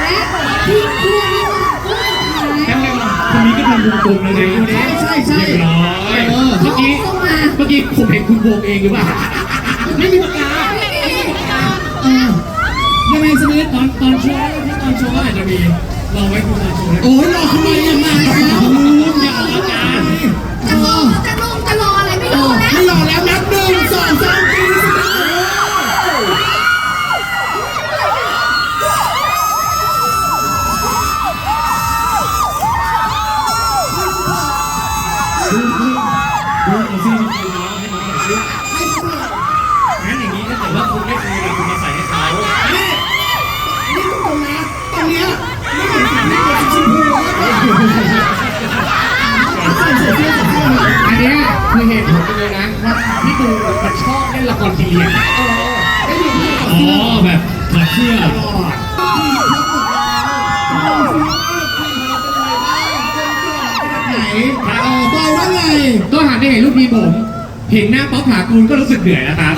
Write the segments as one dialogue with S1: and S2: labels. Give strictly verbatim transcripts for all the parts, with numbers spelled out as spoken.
S1: และทีมคุณมีคน
S2: คนนี้ก็ทำวงกลมแล้วไง
S1: ใช่ใช่ใช่
S2: เรียบร้อยเมื่อกี้
S1: เข้ามา
S2: เมื่อกี้ผมเห็นคุณวงเองหรือเปล่าไม่มีปากกาเออยังไงสมิธตอนตอนโชว์ที่ตอนโชว์อาจจะมีรอไว้คุณตอนโชว์โอ้ยรอทำไมยังไงอย่าออกอาการ
S1: จะรอจะลงจะรออะไรไม่รอแล้ว
S2: ไม่รอแล้วนับหนึ่งสองสามสี่ดูดูซิจริงๆน้องให้น้องหน่อยสิงั้นอย่างนี้ถ้าเกิดว่าคุณไม่เคยคุณมาใส่ให้เขานี่นี่ตรงนะตรงเนี้ยไม่เห็นสีไม่เห็นสีชมพูอันนี้คือเหตุผลเลยนะว่าพี่ตูนมันชอบเล่นละครพีเรียดอ๋อแบบถอดเสื้อไหนเออบอกว่าไงก็หันไปเห็นลูกทีมผมเห็นหน้าป๊อปผากูลก็รู้สึกเหนื่อยนะครับ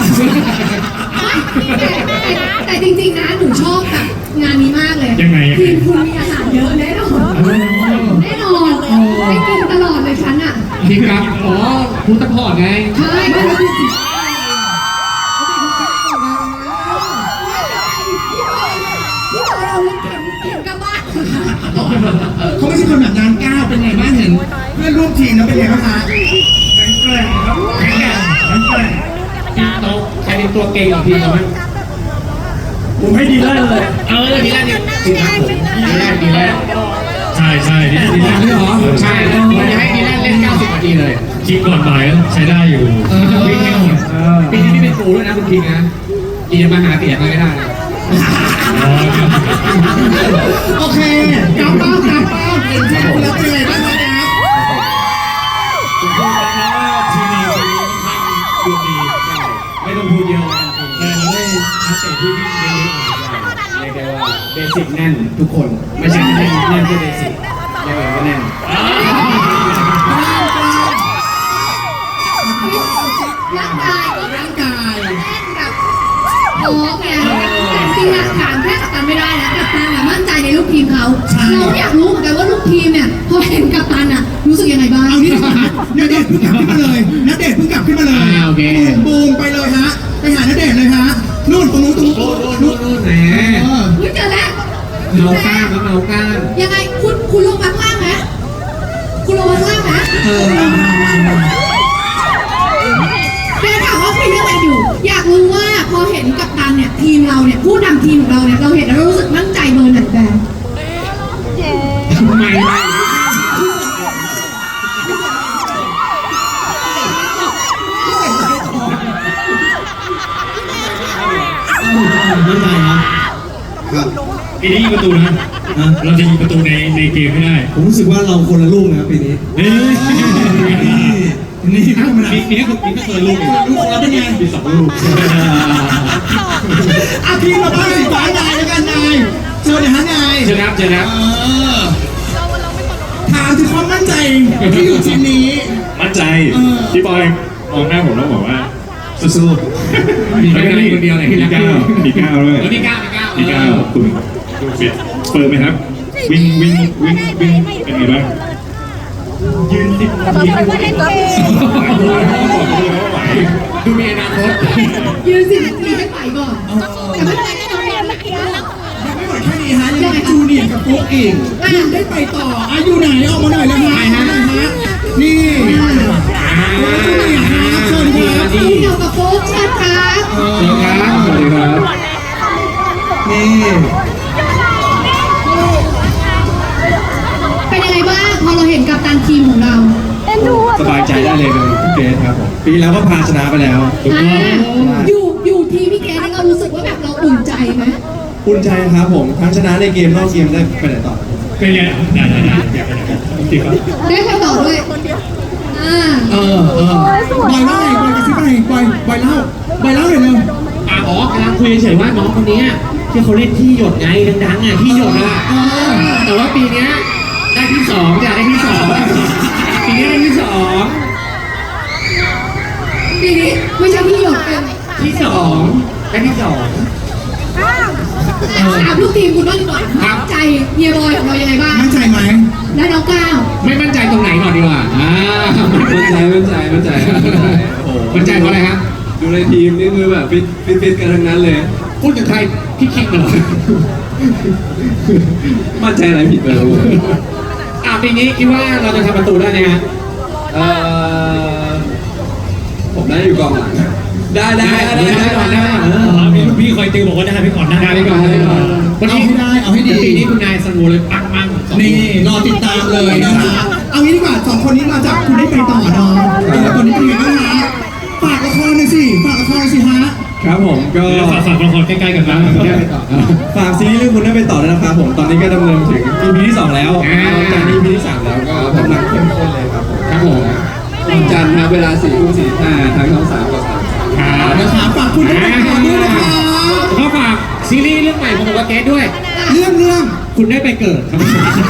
S1: แต่จริงๆนะหนูชอบแบบงานนี้มากเลย
S2: ยังไง
S1: ทีมคุณมีอาหารเยอะแน่นอนแน่นอนไม่กินตลอดเลยฉันอ่ะ
S2: ทีมครับอ๋อคุณตะพอดไง
S1: ใช่ก็รู้สึกพี่บอยเอาลูกเข็มเข็มกลับบ้าน
S3: เขาไม่ใช่คนแบบงานก้าวเป็นไงบ้างเห็นเพื่อนร่วมทีมแล้วเป็นไงบ้างคะ
S2: แข็งแกร่งครับแข็งแกร่งแข็งแกร่งทีมโตใครเป็นตัวเก่งของทีมเราไหมผมให้ดีแรกเลยเออดีแรกเนี่ยทีมครับผมดีแรกดีแรกใช่ใช่ดีแรกดีแรกเหรอใช่ผมจะให้ดีแรกเล่นเก้าสิบนาทีเลยทีมก่อนบ่ายใช้ได้อยู่วิ่งให้หมดปีนี้พี่เป็นครูด้วยนะคุณทีมนะอีจะมาหาเสียงไม่ได้โอเคกลับบ้านกลับบ้านเห็นทีมแล้วเป็นไงบ้างครับผมพูดแล้วนะว่าทีมเราวันนี้ค่อนข้างดูดีไม่ต้องพูดเยอะนะแต่เราได้นักเตะที่วิ่งเยอะๆหน่อยเรียกได้ว่าเบสิกแน่นทุกคนไม่ใช่แน่นแน่นแค่เบสิกเรียกว่าแน่น
S1: ร่างกายก็
S3: ร่างกาย
S1: แน่นแบบโอ้แกแต่จริงๆอะถามแค่กัปตันไม่ได้นะกัปตันอะมั่นใจในลูกทีมเขาเราอยากรู้เหมือนกันว่าลูกทีมเนี่ยพอเห็นกัปตันอะรู้สึกยังไงบ้าง
S3: เอานี่ดีกว่าณเดชน์เพิ่งกลับขึ้นมาเลยณเดชน์เพิ่งกลับขึ้นมาเลยบูมไปเลยฮะไปหาณเดชน์เลยฮะนู่นตรงนู้นตรงนู้น
S2: โอ้โหนู่นนู่นแหม
S3: เออ
S1: อุ๊ยเจอแล้ว
S2: เมาก้านแล้วเมาก้าน
S1: ยังไงคุณคุณลงมาข้างล่างไหมคุณลงมาข้างล่างไหม
S3: เออมามามามา
S1: เดี๋ยวถามว่าคุยเรื่องอะไรอยู่ อยากรู้ว่าพอเห็นกัปตันเนี่ยทีมเราเนี่ยผู้นำทีมของเราเนี่ยเราเห็นแล้วเรารู้สึกมั่นใจเบอร์ไหนแบบ
S2: ทำไมไม่
S3: ไม่ได้นะ
S2: ปีนี้ยิงประตูนะเราจะยิงประตูในในเกมไม่ได้
S3: ผมรู้สึกว่าเราคนละลูกนะปีนี้
S2: เฮ้ย
S3: นี่ธรรมดา
S2: ปีนี้ก็ปีนี้ก็เคยลูก
S3: ลูกแล้วเป็นไง
S2: ปีสองลูก
S3: อาทีมเราบ้านสีฟ้านายแล้วกันนายเชิญเลยฮะนาย
S2: เจอครับเจอครับ
S3: เออถามถึงความมั่นใจที่อยู่ทีมนี้
S4: มั่นใจพี่บอยมองหน้าผมแล้วบอกว่าสู้ๆ
S2: มีแค่คนเดียวไหนที่
S4: มี
S2: รัก
S4: ก้าวมีก้าวด้วย
S2: มีก้าวมีก้าว
S4: มีก้าวคุณดูฟิตเฟิร์มไหมครับ วิ่งวิ่งวิ่งวิ่งเป็นไงบ้าง
S2: ยืนสิบนาทีไม่ไหวดูมีอนาคต
S1: ยืนสิบนาทีให้ไปก่อนแต่ไม่เป็นไรแน่นอนเลยนะ
S3: ยังไม่หมดแค่นี้ฮะยังมีจูเนียร์กับโฟกอีกยังได้ไปต่ออ่ะอยู่ไหนออกมาหน่อยเลยฮะฮะนี่จูเนียร์ฮะเชิญครับ
S1: จูเนียร์กับโฟกเชิญครับ
S2: สวัสดีครับสวัสดีครับ
S3: นี่
S1: เป็นยังไงบ้างพอเราเห็นกัปตันทีมของเรา
S4: สบายใจได้เลยเป็นพี่เกรซครับผมปีแล้วก็พาชนะไปแล้ว
S1: อ่าอยู่อยู่ทีมพี่แกนี่เรารู้สึกว่าแบบเราอุ่นใจไหม
S4: อุ่นใจครับผมทั้งชนะในเกมนอกเกมได้ไปไหนต่อ
S2: เป็นไงได้ได้ได้อยากไปไหนกันจริงครับ
S1: ได้ไปต่อด้วยอ่า
S3: เออเออบอยเล่าไงบอยกระซิบอะไรบอยบอยเล่าบอยเล่าหน่อยเร็ว
S2: อ่ะอ๋อกำลังคุยเฉยว่าน้องคนนี้ที่เขาเล่นที่หยดไงดังๆอ่ะที่หยดอ่ะ
S3: เออ
S2: แต่ว่าปีนี้ได้ที่สองจะได้ที่สองปีนี้ได้ที่สอง
S1: ปีนี้ไม่ใช่พี่หยกเป็น
S2: ที่สองได้ที่สอง
S1: ถามลูกทีมคุณบ้างดีกว่ามั่นใจเฮียบอยของเรายังไงบ้าง
S3: มั่นใจไหม
S1: และน้องก้าว
S2: ไม่มั่นใจตรงไหนก่อนดีกว่าอ่า
S5: มั่นใจมั่นใจมั่นใจโอ้โห
S2: มั่นใจเพราะอะไรฮะ
S5: ดูในทีมนี่คือแบบฟิตฟิตฟิตกันทั้งนั้นเลย
S2: พูดถึงใครพี่คิดกันเหรอ
S5: มั่นใจอะไรผิดไปแล้ว
S2: อ่ะปีนี้คิดว่าเราจะทำประตูได้ไหมฮะ
S5: เอ่อผมได้อยู่กองหลังได้ได้ได้ได้
S2: ได้ก่อนได้ก่อน
S6: มีลูกพี่คอยติวบอกว่าได้ไปก่อนได้
S2: ได้ไปก่อนได้ไปก่อนวัน
S3: เอา
S2: นี้
S3: ให้ได้เอาให้ดี
S2: ปีนี้คุณนายสโนเลยปังมั่งสอง
S3: นี่รอติดตามเลยนะคะเอางี้ดีกว่าสองคนนี้มาจากคุณได้ไปต่อเนาะเออตอนนี้เป็นยังไงบ้างฮะฝากละครหน่อยสิฝากละครหน่อยสิฮะ
S5: ครับผมก็
S6: แล้วฝากฝากละครใกล้ๆกันนะ
S2: ได้ไปต่อ
S5: ฝากซีรีส์เรื่องคุณได้ไปต่อด้วยนะครับผมตอนนี้ก็ดำเนินถึง อี พี ที่สองแล้วจากนี้ อี พี ที่สามแล้วก็กำลังเข้มข้นเลยครับผม
S2: ครับผม
S5: วันจันทร์นะเวลาสี่ทุ่มสี่สิบห้าทั้งช่องสามกับสาม
S2: ครับ
S3: นะคะฝากคุณได้ไปต่อด้วยนะคะ
S2: ก็ฝากซีรีส์เรื่องใหม่ของผมกับเกสด้วย
S3: เรื่องเรื่อง
S2: คุณได้ไปเกิดครับ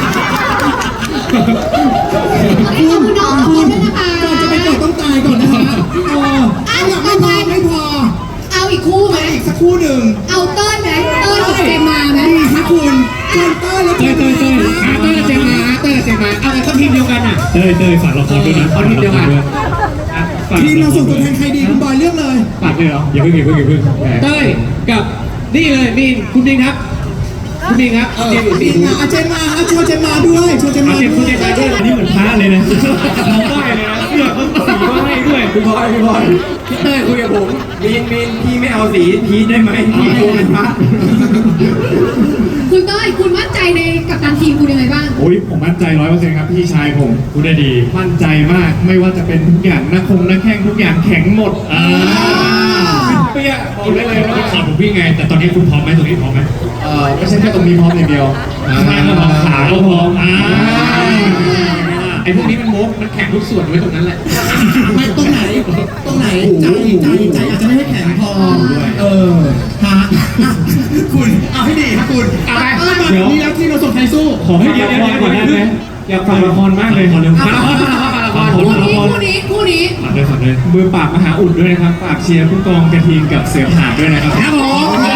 S1: วันนี้ขอบคุณน้องสองคนด้วยนะคะ
S3: ก่อนจะไปเกิดต้องตายก่อนนะฮะเออเอาอยากไม่พอไม่พอ
S1: เอาอีกคู่ไหม
S3: อีกสักครู่หนึ่ง
S1: เอาเต้ยไหมเต้ยกับเจมมาไหม
S3: ดีครับคุณเชิญเต้ยและ
S2: เต้ยเต้ยเต้ยอ่าเต้ยกับเจมมาเต้ยกับเจมมาเอาแต่ก็ทีมเดียวกันอ่ะ
S6: เต้ยเต้ยฝากละครด้วยนะ
S2: เอาทีมเดียวกัน
S6: ฝาก
S3: ทีมเราส่งตัวแทนใครดีคุณบอยเลือกเลย
S6: ฝากเลยเหรออย่าเพิ่งอย่าเพิ่งอย่าเพิ่ง
S2: เต้ยกับนี่เลยมีนคุณดิงครับ คุณดิงครับ
S3: เอ
S2: คุณ
S3: อ
S2: ดิงอยู่
S3: ดี
S2: สี่
S3: นะอาเจนมาอาเชิญเจนมาด้วยเชิญเจน
S6: เอา
S3: มา
S6: เจ็บคุณ
S3: ด้
S6: เจ็
S3: ว
S6: บ
S3: ย
S6: ใจด้วยอันนี้เหมือนพระเลยนะเราไหว้เลยนะเสื้อเขาสีก็ให้ด้วย
S5: พี่บอยพี่บอยพี่เต้ยคุยกับผมมีนมีนพี่ไม่เอาสีพีชได้ไหมพี่โกงเป็นพระ
S1: คุณเต้ยคุณมั่นใจในกัปตันทีมคุณยังไงบ้าง
S6: โอ้ยผมมั่นใจร้อยเปอร์เซ็นต์ครับพี่ชายผมพูดได้ดี มั่นใจมากไม่ว่าจะเป็นทุกอย่างนักคงนักแข่งทุกอย่างแข็งหมดอ่าเปี้ยบอกได้เลยว่าขอผมวิ่งไง แต่ตอนนี้คุณพร้อมไหมตรงนี้พร้อมไหมเออไม่ใช่แค่ตรงนี้พร้อมอย่างเดียวข้างล่างก็พร้อมขาก็พร้อมอ่า
S2: ไอ้พวกนี้มันโมกมันแข่งทุกส่วนไว้ตรงนั้นแหละ
S3: ไม่ตรงไหนตรงไหนใจใจใจอาจจะไม่ให้แข็งพอเออฮะอ่ะคุณเอาให้ดีครับคุณ
S2: เอาไป
S3: เอามานี่แล้วที่เราส่งใครสู้
S6: ขอให้เดียวเดียวก่อนได้ไหมอยากฟังละครมากเลยขอเร็ว
S2: มาละครมาละครมาละคร
S1: คู่นี้คู่นี้คู่นี้
S6: ฝากเลยฝากเลยมือปราบมหาอุดด้วยนะครับฝากเชียร์ผู้กองกระทิงกับเสือผ่าด้วยนะครับ
S2: ครับผม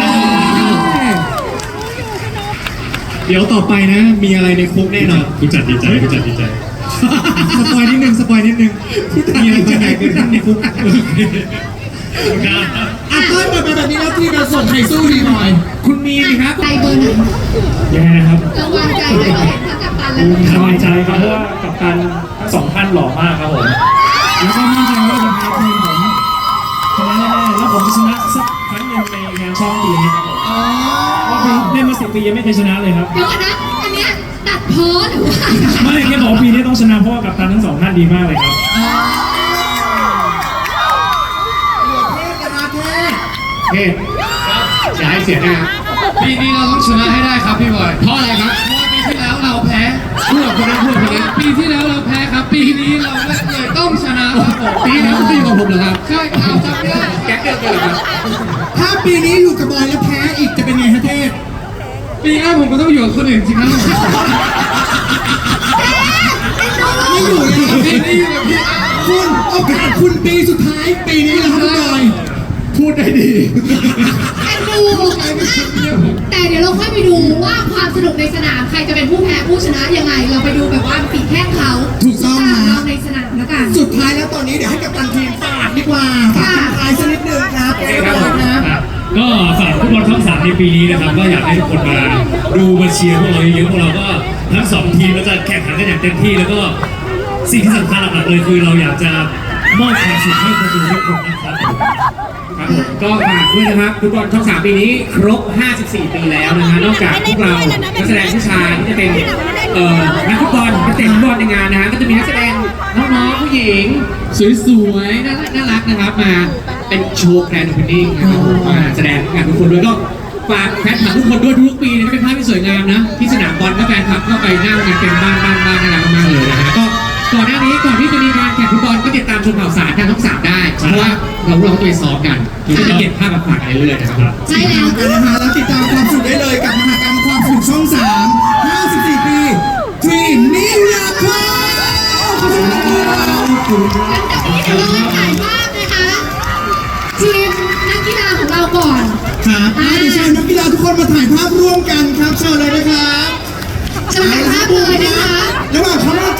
S6: เดี๋ยวต่อไปนะ มีอะไรในคุกแน่นอนคุณจัดดีใจคุณจัดดีใจสปอยนิดนึงสปอยนิดนึงมีอะไรจะไหนเกิดขึ้นในคุก
S3: อ่ะเต้ยเปิดมาแบบนี้แล้วที่เราส่งใครสู้ดีหน่อย
S2: คุณมีนครับ
S1: ใจเบอร์ไหน
S6: ยังไงนะครับ
S1: ระวังใจไว้เลยทั้งกัปตันและ
S6: สบายใจครับเพราะว่ากัปตันทั้งสองท่านหล่อมากครับผมแล้วก็มั่นใจว่าจะพาทีมผมชนะแน่ๆแล้วผมจะชนะสักครั้งหนึ่งในงานช่องปีนี้ครับผมเล่นมาสิบปียังไม่เคยชนะเลยครับ
S1: เดี๋ยวก่อนนะอันเนี้ยตัดพ้อหรือว่า
S6: ไม่แค่บอกว่าปีนี้ต้องชนะเพราะว่ากัปตันทั้งสองท่านดีมากเลยครับ
S2: เฮ้อย่าให้เสียหน้าปีนี้เราต้องชนะให้ได้ครับพี่บอยเพราะอะไรครับเพราะปีที่แล้วเราแพ้พูดกับคนนั้นพูดกับคนนั้นปีที่แล้วเราแพ้ครับ ปีนี้เราเลยต้องชนะครับผมปีแล้วปีของผมเหรอครับใช่เอาจำไม่ได้แก๊งเดียวกันเหรอครับ
S3: ถ้าปีนี้อยู่กับบอยแล้วแพ้อีกจะเป็นไงฮะเทพ
S2: ปีหน้าผมก็ต้องอยู่กับคนอื่นสิครับ
S3: ไม่อยู่เลย
S2: ปีนี้อยู่กับพี่
S3: คุณโอกาสคุณปีสุดท้ายปีนี้แล้วครับบอย
S2: พูดได้ดี
S1: แอนดูแต่เดี๋ยวเราค่อยไปดูว่าความสนุกในสนามใครจะเป็นผู้แพ้ผู้ชนะยังไง เราไปดูแบบว่าฝีแข้งเขา
S3: ถูกต้อง
S1: ของ
S3: ฮะ
S1: เราในสนามแล้วกัน
S3: สุดท้ายแล้วตอนนี้เดี๋ยวให้กับตันทีมฝากดีกว่าฝากทิ้งท้ายสักนิดนึงครับเอ๊ะบอยนะ
S6: ครับก็ฝากฟุตบอลช่องสามในปีนี้นะครับ ก็อยากให้ทุกคนมาดูมาเชียร์พวกเราเยอะๆพวกเราก็ทั้งสองทีมก็จะแข่งขันกันอย่างเต็มที่แล้วก็สิ่งที่สำคัญหลักๆเลยคือเราอยากจะมอบความสุขให้คนดูทุกคนนะครับ
S2: ครับผมก็ฝากด้วยนะครับฟุตบอลช่องสามปีนี้ครบ ห้าสิบสี่ ปีแล้วนะฮะนอกจากพวกเรานักแสดงผู้ชายที่จะเป็นเอ่อนักฟุตบอลนักเตะฟุตบอลในงานนะฮะก็จะมีนักแสดงน้องๆผู้หญิงสวยๆน่ารักน่ารักนะครับมาเป็นโชว์แกรนด์โอเพนนิ่งนะครับผมมาแสดงงานทุกคนด้วยก็ฝากแฟนคลับทุกคนด้วยทุกปีนะเป็นภาพที่สวยงามนะที่สนามบอลก็แฟนคลับก็ไปนั่งกันเป็นบ้านบ้านบ้านน่ารักมากๆเลยนะฮะก็ก่อนหน้านี้ก่อนที่จะมีการแข่งฟุตบอลก็ติดตามชมข่าวสารทางช่องสามได้เพราะว่าเราเราตัวซ้อมกันก็จะเก็บภาพมาฝากกันเรื่อยๆนะครับ
S1: ใช่แล้ว
S3: กันนะฮะแล้วติดตามความสุขได้เลยกับมหากรรมความสุขช่องสามห้าสิบสี่ ปี Dream Miracle ขอบคุณครับ
S1: เดี๋ยวเราถ่ายภาพนะคะทีมนักกีฬาของเราก่อน
S3: ครับอ่ะเดี๋ยวเชิญนักกีฬาทุกคนมาถ่ายภาพ
S1: จะมาถ่ายภาพเลยนะคะ
S3: ระหว่างเขามา